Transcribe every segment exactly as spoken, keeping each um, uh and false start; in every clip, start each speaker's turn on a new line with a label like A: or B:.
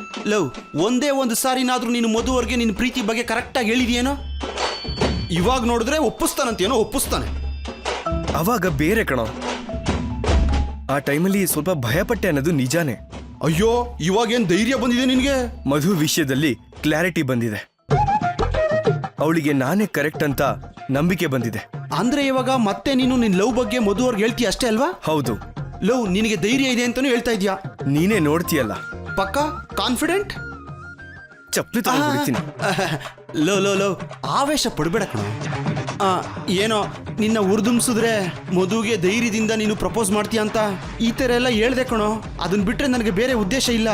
A: Love ಒಂದೇ ಒಂದು ಸಾರಿನಾದ್ರೂ ನೀನು ಮಧುವರ್ಗೆ ನಿನ್ನ ಪ್ರೀತಿ ಬಗ್ಗೆ ಕರೆಕ್ಟಾಗಿ ಹೇಳಿದೆಯೇನೋ? ಇವಾಗ ನೋಡಿದ್ರೆ ಒಪ್ಪಿಸ್ತಾನಂತೇನೋ ಒಪ್ಪಿಸ್ತಾನೆ.
B: ಅವಾಗ ಬೇರೆ ಕಣೋ. ಆ ಟೈಮಲ್ಲಿ ಸ್ವಲ್ಪ ಭಯಪಟ್ಟೆ ಅನ್ನೋದು ನಿಜಾನೇ.
A: ಅಯ್ಯೋ ಇವಾಗೇನು ಧೈರ್ಯ ಬಂದಿದೆ ನಿನಗೆ?
B: ಮಧು ವಿಷಯದಲ್ಲಿ ಕ್ಲಾರಿಟಿ ಬಂದಿದೆ. ಅವಳಿಗೆ ನಾನೇ ಕರೆಕ್ಟ್ ಅಂತ ನಂಬಿಕೆ ಬಂದಿದೆ.
A: ಅಂದ್ರೆ ಇವಾಗ ಮತ್ತೆ ನೀನು ನಿನ್ನ ಲವ್ ಬಗ್ಗೆ ಮಧುವರ್ಗೆ ಹೇಳ್ತೀಯ ಅಷ್ಟೇ ಅಲ್ವಾ?
B: ಹೌದು.
A: ಲವ್ ನಿನಗೆ ಧೈರ್ಯ ಇದೆ ಅಂತಾನೂ ಹೇಳ್ತಾ ಇದೀಯಾ?
B: ನೀನೇ ನೋಡ್ತೀಯಲ್ಲ.
A: ಪಕ್ಕಾ ಕಾನ್ಫಿಡೆಂಟ್?
B: ಚಪ್ಪಲಿ ತಗೊಂಡ್ಬಿಡ್ತೀನಿ.
A: ಲೋ ಲೋ ಲೋ ಆವೇಶ ಪಡಬೇಡ ಕಣ. ಏನೋ ನಿನ್ನ ಉರ್ದುಂಬಿಸಿದ್ರೆ ಮಧುಗೆ ಧೈರ್ಯದಿಂದ ನೀನು ಪ್ರಪೋಸ್ ಮಾಡ್ತೀಯ ಅಂತ ಈ ಥರ ಎಲ್ಲ ಹೇಳ್ದೆ ಕಣೋ. ಅದನ್ನ ಬಿಟ್ರೆ ನನಗೆ ಬೇರೆ ಉದ್ದೇಶ ಇಲ್ಲ.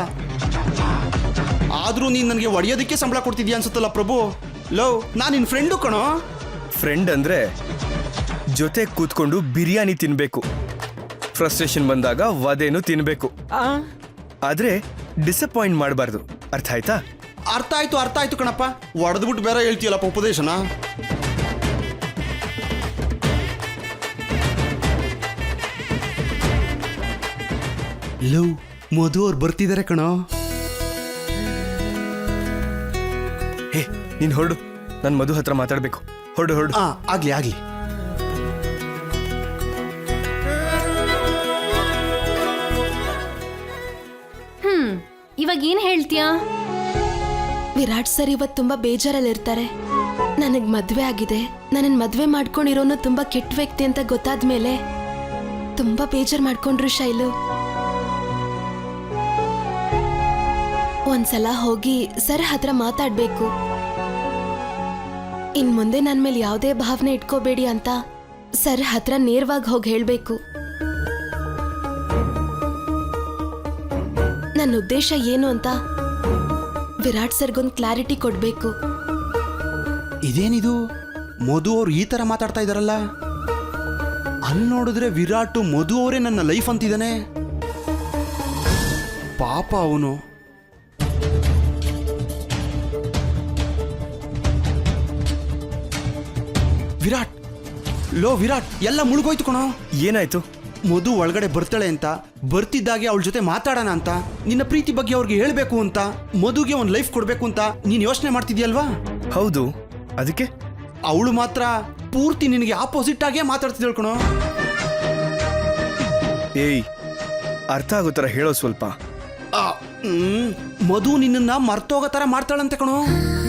A: ಆದರೂ ನೀನು ನನಗೆ ಒಡೆಯೋದಕ್ಕೆ ಸಂಬಳ ಕೊಡ್ತಿದ್ಯಾ ಅನ್ಸುತ್ತಲ್ಲ ಪ್ರಭು. ಲೋ ನಾನು ನಿನ್ನ ಫ್ರೆಂಡು ಕಣೋ.
B: ಫ್ರೆಂಡ್ ಅಂದ್ರೆ ಜೊತೆ ಕೂತ್ಕೊಂಡು ಬಿರಿಯಾನಿ ತಿನ್ಬೇಕು, ಫ್ರಸ್ಟ್ರೇಷನ್ ಬಂದಾಗ ವದೇನು ತಿನ್ಬೇಕು. ಆದ್ರೆ ಡಿಸಪಾಯಿಂಟ್ ಮಾಡಬಾರ್ದು. ಅರ್ಥ ಆಯ್ತಾ?
A: ಅರ್ಥ ಆಯ್ತು ಅರ್ಥ ಆಯ್ತು ಕಣಪ್ಪ. ಒಡೆದ್ಬಿಟ್ಟು ಬೇರೆ ಹೇಳ್ತೀಯಲ್ಲಪ್ಪ ಉಪದೇಶನ. ಲವ್ ಮಧು ಅವ್ರು ಬರ್ತಿದ್ದಾರೆ ಕಣೋ.
B: ಹೇ ನೀನ್ ಹೊರಡು, ನನ್ ಮಧು ಹತ್ರ ಮಾತಾಡ್ಬೇಕು. ಹೊರಡು ಹೊರಡು.
A: ಆ ಆಗ್ಲಿ ಆಗ್ಲಿ.
C: ಹ್ಮ್ ಇವಾಗ ಏನ್ ಹೇಳ್ತೀಯಾ?
D: ವಿರಾಟ್ ಸರ್ ಇವತ್ತು ತುಂಬಾ ಬೇಜಾರಲ್ಲಿರ್ತಾರೆ. ನನಗ್ ಮದ್ವೆ ಆಗಿದೆ, ನನ್ನ ಮದ್ವೆ ಮಾಡ್ಕೊಂಡಿರೋನು ತುಂಬಾ ಕೆಟ್ಟ ವ್ಯಕ್ತಿ ಅಂತ ಗೊತ್ತಾದ್ಮೇಲೆ ತುಂಬಾ ಬೇಜಾರ್ ಮಾಡ್ಕೊಂಡ್ರು ಶೈಲು. ಒಂದ್ಸಲ ಹೋಗಿ ಸರ್ ಹತ್ರ ಮಾತಾಡ್ಬೇಕು. ಇನ್ ಮುಂದೆ ನನ್ ಮೇಲೆ ಯಾವುದೇ ಭಾವನೆ ಇಟ್ಕೋಬೇಡಿ ಅಂತ ಸರ್ ಹತ್ರ ನೇರವಾಗಿ ಹೋಗಿ ಹೇಳ್ಬೇಕು. ನನ್ನ ಉದ್ದೇಶ ಏನು ಅಂತ ವಿರಾಟ್ ಸರ್ಗೊಂದು ಕ್ಲಾರಿಟಿ ಕೊಡ್ಬೇಕು.
A: ಇದೇನಿದು ಮಧು ಅವ್ರು ಈ ತರ ಮಾತಾಡ್ತಾ ಇದಾರಲ್ಲ? ಅಲ್ಲಿ ನೋಡಿದ್ರೆ ವಿರಾಟ್ ಮಧು ಅವರೇ ನನ್ನ ಲೈಫ್ ಅಂತಿದ್ದಾನೆ. ಪಾಪ ಅವನು. ವಿರಾಟ್ ಲೋ ವಿರಾಟ್ ಎಲ್ಲ ಮುಳುಗೋಯ್ತು ಕಣೋ.
B: ಏನಾಯ್ತು?
A: ಮಧು ಒಳಗಡೆ ಬರ್ತಾಳೆ ಅಂತ, ಬರ್ತಿದ್ದಾಗೆ ಅವಳ ಜೊತೆ ಮಾತಾಡೋಣ ಅಂತ, ನಿನ್ನ ಪ್ರೀತಿ ಬಗ್ಗೆ ಅವ್ರಿಗೆ ಹೇಳ್ಬೇಕು ಅಂತ, ಮಧುಗೆ ಒಂದು ಲೈಫ್ ಕೊಡ್ಬೇಕು ಅಂತ ನೀನ್ ಯೋಚನೆ ಮಾಡ್ತಿದ್ಯಲ್ವಾ?
B: ಹೌದು. ಅದಕ್ಕೆ
A: ಅವಳು ಮಾತ್ರ ಪೂರ್ತಿ ನಿನಗೆ ಆಪೋಸಿಟ್ ಆಗೇ ಮಾತಾಡ್ತಿದ್ದಳು ಕಣೋ.
B: ಏಯ್ ಅರ್ಥ ಆಗೋ ಥರ ಹೇಳೋ ಸ್ವಲ್ಪ.
A: ಆ, ಹ್ಮ್, ಮಧು ನಿನ್ನ ಮರ್ತೋಗೋ ಥರ ಮಾಡ್ತಾಳಂತೆ ಕಣೋ.